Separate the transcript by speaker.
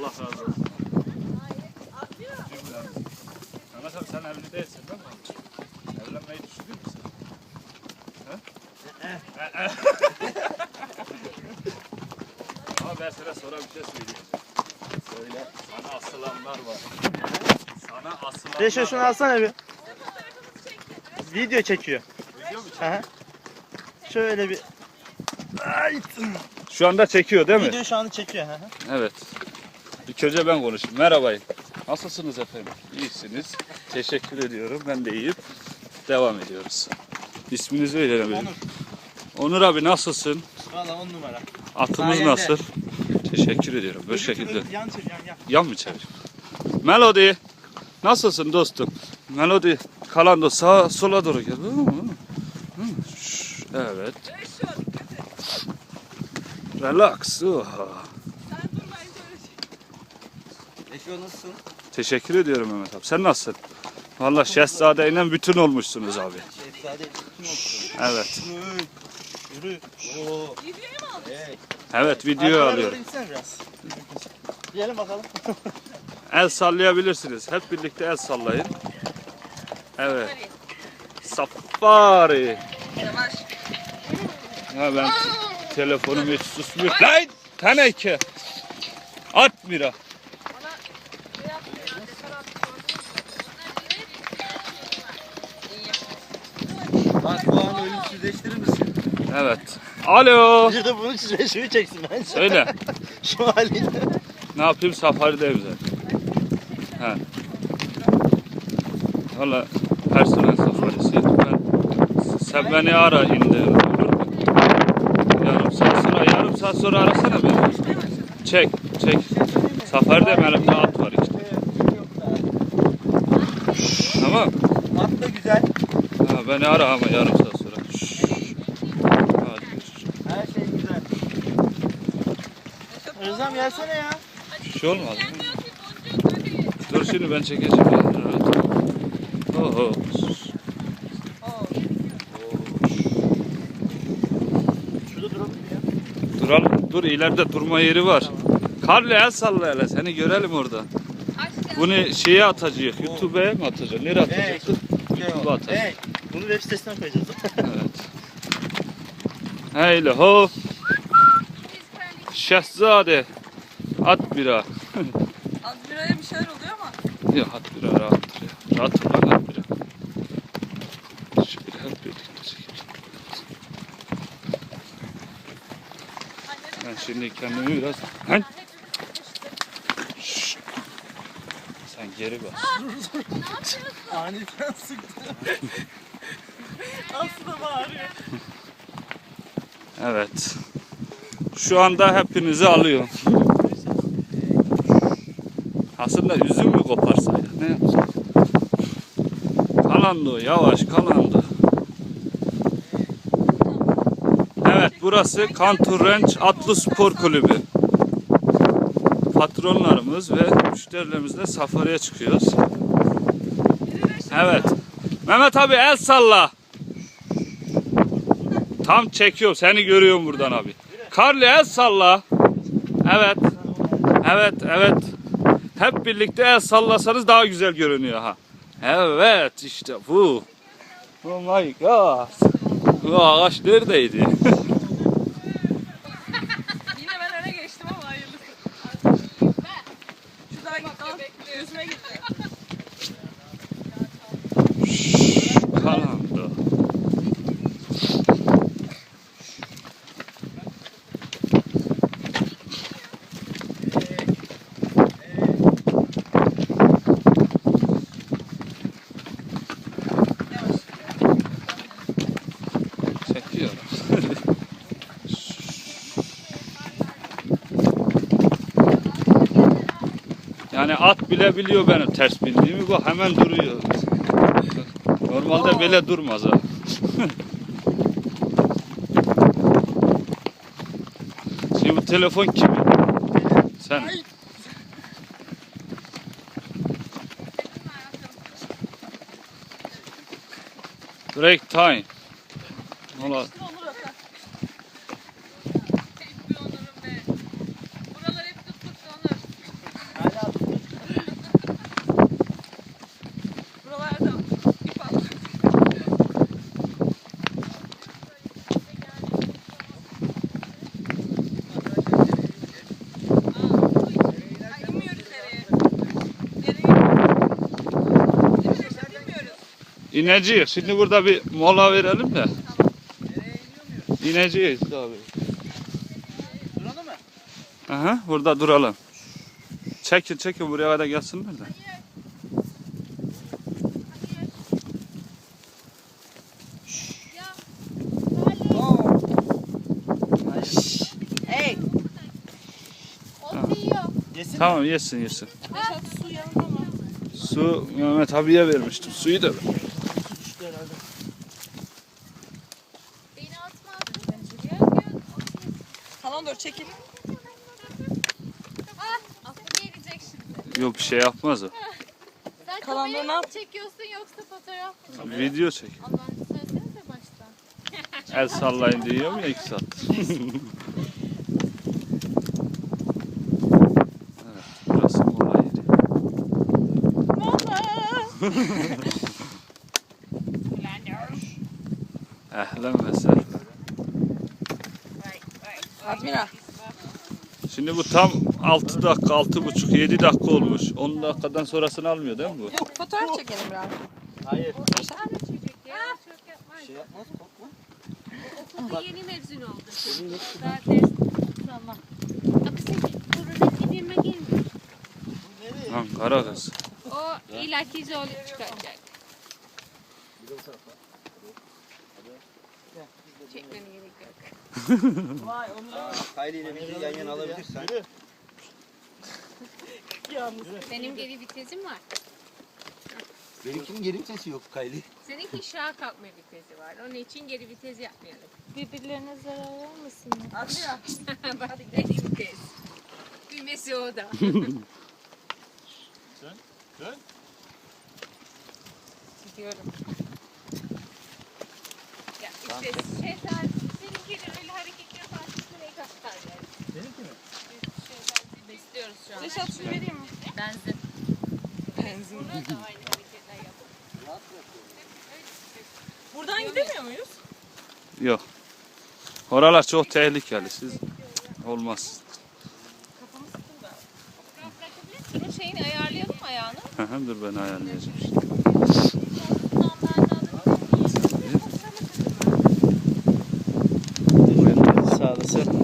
Speaker 1: Allah razı olsun. Mehmet abi sen evli değilsin değil mi? Evlenmeyi düşünür müsün? Ama ben sana sonra bir şey söyleyeceğim. Söyle. Sana asılanlar var. Sana asılanlar
Speaker 2: Reşo şunu alsana bir. Video çekiyor.
Speaker 1: Video mu
Speaker 2: Aha. Şöyle bir. Ay.
Speaker 1: Şu anda çekiyor değil mi?
Speaker 2: Video şu anda çekiyor. Aha.
Speaker 1: Evet. İlk önce ben konuşayım. Merhaba. Nasılsınız efendim? İyisiniz. Teşekkür ediyorum. Ben de iyiyim. Devam ediyoruz. İsminizi verelim.
Speaker 2: Onur.
Speaker 1: Onur abi nasılsın?
Speaker 2: Valla 10 numara.
Speaker 1: Atımız
Speaker 2: Sayende.
Speaker 1: nasıl? Teşekkür ediyorum. Böyle şekilde.
Speaker 2: Yan çevir yan.
Speaker 1: Yan mı çevir? Melody. Nasılsın dostum? Melody. Kalando sağa sola doğru gel. Evet. Relax. Oha.
Speaker 2: Reşo nasılsın?
Speaker 1: Teşekkür ediyorum Mehmet abi. Sen nasılsın? Vallahi Şehzade'yle bütün olmuşsunuz abi.
Speaker 2: Şehzade bütün olsun.
Speaker 1: Evet.
Speaker 2: Yürü. Oo.
Speaker 3: Videoyu mu aldın?
Speaker 2: Hey.
Speaker 1: Evet video alıyorum.
Speaker 2: Biraz. Diyelim bakalım.
Speaker 1: El sallayabilirsiniz. Hep birlikte el sallayın. Evet. Safari.
Speaker 3: Yavaş.
Speaker 1: Ha ben telefonum hiç susmuyor. Lan teneke. At mira.
Speaker 2: Bak bu anı ölümsüzleştirir misin?
Speaker 1: Evet. Alo.
Speaker 2: Bir de bunu Reşo'yu çeksin bence.
Speaker 1: Söyle.
Speaker 2: Şu haliyle.
Speaker 1: Ne yapayım safarideyim zaten. Ha. Valla personel safarisi. Sen beni ara indi. Olur mu? Yarım saat sonra arasana beni. Çek. Safarideyim elimde at var işte. Tamam.
Speaker 2: At da güzel.
Speaker 1: Ha, beni ara ama yarım saat sonra. Hadi görüşürüz.
Speaker 2: Her şey güzel. Özlem gelsene ya.
Speaker 1: Bir şey olmaz. Dur şimdi ben çekeceğim. Evet. Oho.
Speaker 2: Şurada duralım ya.
Speaker 1: Duralım. Dur ileride durma yeri var. Karlı el salla hele seni görelim orada. Bunu şeye atacağız. YouTube'a mı atacağız? Nereye atacaksın? YouTube'a atacağız.
Speaker 2: Hey. Bunu web sitesinden koyacağız.
Speaker 1: Evet. Heyle ho. Şehzade. At bira.
Speaker 3: Az biraya bir şeyler oluyor ama.
Speaker 1: Ya at bira rahattır ya. Rahattır lan at bira. Şöyle hep birlikte çekelim. Ben şimdi kendimi biraz... Lan! Şşş! Sen geri bas.
Speaker 2: Aniden sıktı. Aslında bağırıyor.
Speaker 1: Evet. Şu anda hepinizi alıyorum. Aslında üzüm mü koparsaydık? Ne yapsak? Kalando, yavaş kalando. Evet, burası Kantur Ranch Atlı Spor Kulübü. Patronlarımız ve müşterilerimizle safariye çıkıyoruz. Evet. Mehmet abi el salla. Tam çekiyorum. Seni görüyorum buradan abi. Karlı el salla. Evet. Evet. Hep birlikte el sallasanız daha güzel görünüyor ha. Evet işte bu. Oh my god. Bu ağaç neredeydi?
Speaker 3: Yine ben öne geçtim ama hayırlısı. Şuradan yüzüme gitti.
Speaker 1: Kalando. Çekiyorum. Yani at bile biliyor benim ters bildiğimi. Bu hemen duruyor. Normalde böyle durmaz ha. Şimdi bu telefon kimin? Sen. Break time. Valla
Speaker 3: Olur Hasan. Bir onurum be. Buralar hep tuttuk Onur.
Speaker 1: İneceğiz. Şimdi burada bir mola verelim de. İneceğiz abi.
Speaker 4: Duralım mı?
Speaker 1: Aha, burada duralım. Çekin buraya kadar gelsinler de.
Speaker 3: Hey.
Speaker 4: Yesin.
Speaker 1: Tamam yesin.
Speaker 3: Reşat su yanında mı?
Speaker 1: Su Mehmet abiye vermiştim. Suyu da ver.
Speaker 4: İşte herhalde.
Speaker 2: Beni atma.
Speaker 3: Tamam dur çekil.
Speaker 2: Aslı gelecek şimdi.
Speaker 1: Yok bir şey yapmaz o.
Speaker 2: Sen
Speaker 3: Kalanları
Speaker 2: kamerayı
Speaker 3: ne yap-
Speaker 2: mı çekiyorsun yoksa fotoğraf mı?
Speaker 1: Video çek.
Speaker 2: Allah'ını söylesenize baştan.
Speaker 1: El sallayın diyorum ya 2 saat. Evet, burası mola yeri. Ehlen ve sehlen.
Speaker 3: Admira.
Speaker 1: Şimdi bu tam 6 dakika, 6,5, 7 dakika olmuş. 10 dakikadan sonrasını almıyor değil mi bu?
Speaker 3: Yok fotoğraf çekelim biraz.
Speaker 4: Hayır.
Speaker 2: Ya,
Speaker 4: Şey yapmaz korkma.
Speaker 2: okulda yeni mezun oldu. Daha ders tamam. Aksi kurulu gidime girmiyor.
Speaker 1: Lan kara kız.
Speaker 2: O illaki zorluk çıkaracak. Çekmene gerek yok.
Speaker 3: Vay onu
Speaker 4: Kylie ile bizi yan yana alabilirsen.
Speaker 3: yalnız.
Speaker 2: Benim geri vitesim var.
Speaker 4: Benimkinin geri vitesi yok Kylie.
Speaker 2: Seninki şaha kalkma vitesi var. Onun için geri vites yapmayalım.
Speaker 5: Birbirlerine zarar vermesinler.
Speaker 3: Admira.
Speaker 2: Bak geri vites. Düğmesi o da.
Speaker 4: Dön.
Speaker 2: Gidiyorum. Ya işte şeytan seninkiyle öyle hareket yaparsın burayı kaptar yani.
Speaker 4: Benimki mi?
Speaker 2: Şeytan besliyoruz şu an.
Speaker 3: Reşat su vereyim mi?
Speaker 2: Benzin.
Speaker 3: Benzin.
Speaker 2: Burada da aynı hareketler yapın.
Speaker 3: Buradan gidemiyor muyuz?
Speaker 1: Yok. Oralar çok tehlikeli. Siz olmaz.
Speaker 3: Kafamı sıktım da.
Speaker 2: Biraz bırakabilirsin. Bunun şeyini ayarlayalım mı ayağını?
Speaker 1: Hı hı, dur ben ayarlayacağım.
Speaker 2: Ondan ben de alabilir miyim?
Speaker 4: Sağ olasın.